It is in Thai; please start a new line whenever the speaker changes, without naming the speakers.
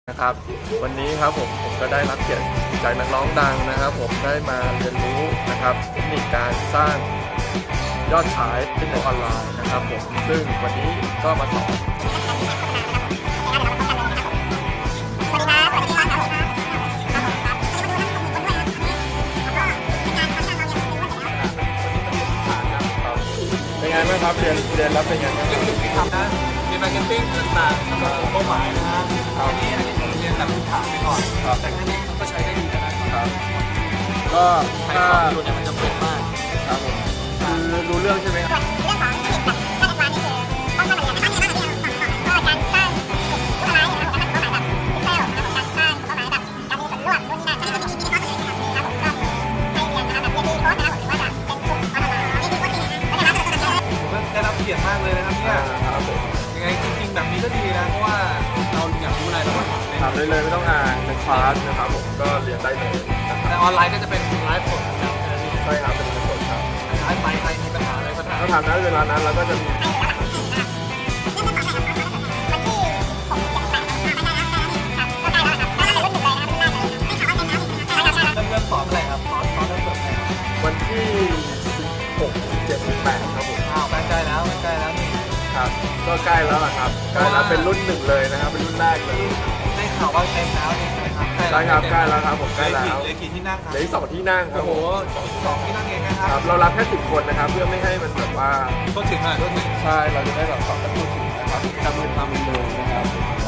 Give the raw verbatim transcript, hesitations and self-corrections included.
นะครับวันนี้ครับผมผมก็ได้รับเกียรติจากนักร้องดังนะครับผมได้มาเรียนรู้นะครับเทคนิคการสร้างยอดขายในออนไลน์นะครับผมซึ่งวันนี้ก็มาสอนเป็นไงบ้างครับเรียนเรียนรับเป็นไงบ้างครับ
ทำนะเรียนมาร์เก็ตติ้งต่างๆสำหรับเป้าหมายนะฮะอันนี้อันนี้ผมเรียนแบบพื้นฐานไปก่อนแต่แค่นี้มันก็ใช้ได้ดีแล้วนะครับ
ก็
ใช้
ถ้า
ของอยู่เนี่ยมันจะเป็นมาก
ครับผมคือรู้เรื่องใช่ไหมครับ
เรื่องของเทคนิคแบบการจัดการนี่คือต้องทำอะไรอย่างไรบ้างเนี่ยบ้างที่เราก็การสร้างกลุ่มผู้ร้ายนะครับผมการตั้งเป้าหมายแบบพิเศษนะครับผมการสร้างเป้าหมายแบบการมีส่วนร่วมนู่นนี่นั่นอันนี้ก็จะมีมีคอร์สเลยนะครับครับผมก็ให้เรียนนะครับแบบเรียนดีโค้ดนะครับผมหรือว่าจะเป็นกลุ่มออนไลน์นี่คือโค้ชจริงนะแล้วเดี๋ยวเราจะตัวตัว
ผมได้รับเกียรติมากเลยนะครับเนี่ย
ครับผม
ยังไงจริงๆแบบนี้ก็ดีนะเพราะว่าเราอยากรู้อะไรเราก็ถามเลย
ถามได้เลยไม่ต้องอ่านเป็นคลาสนะครับผมก็เรียนได้เลยนะค
แต่
รับ
ออนไลน์ก็จะเป็นไลฟ์สดนะครับ
ใช่ครับเป็นเงินสดครับ
ไลฟ์ไปใครมีปัญหาอะไรก็ถาม
ถ้าทำนั้นเวลานั้นเราก็จะมี
เริ่มเริ่มสอนอะไรครับสอนสอนเริ่มเปิดอะไรครับ
วันที่สิบหก สิบเจ็ด สิบแปดครับผม
อ้าวใกล้ๆแล้วใกล้แล้วนี่
ครับก็ใกล้แล้วล่ะครับใกล้แล้วเป็นรุ่นหนึ่งเลยนะครับเป็นรุ่นแรกเลย
ได้ข่าวว่าเต็มแล้วนี่ใช่ไหมครับ
ใช่ครับใกล้แล้วครับผมใกล้แล้ว
เหลือกี่ที่นั่งครับ
เหลืออีกสองที่นั่งครั
โอ้
บ
โห
ผม
สองที่นั่งเองนะค
ค
รั
รั
บบ
เรารับแค่สิบคนนะครับเพื่อไม่ให้มันแบบว่า
ก็ถึงอ่ะก็ถึง
ใช่เราจะได้แบบสอนกันทั่วถึงนะครับทำมือทำมือเลยนะครับ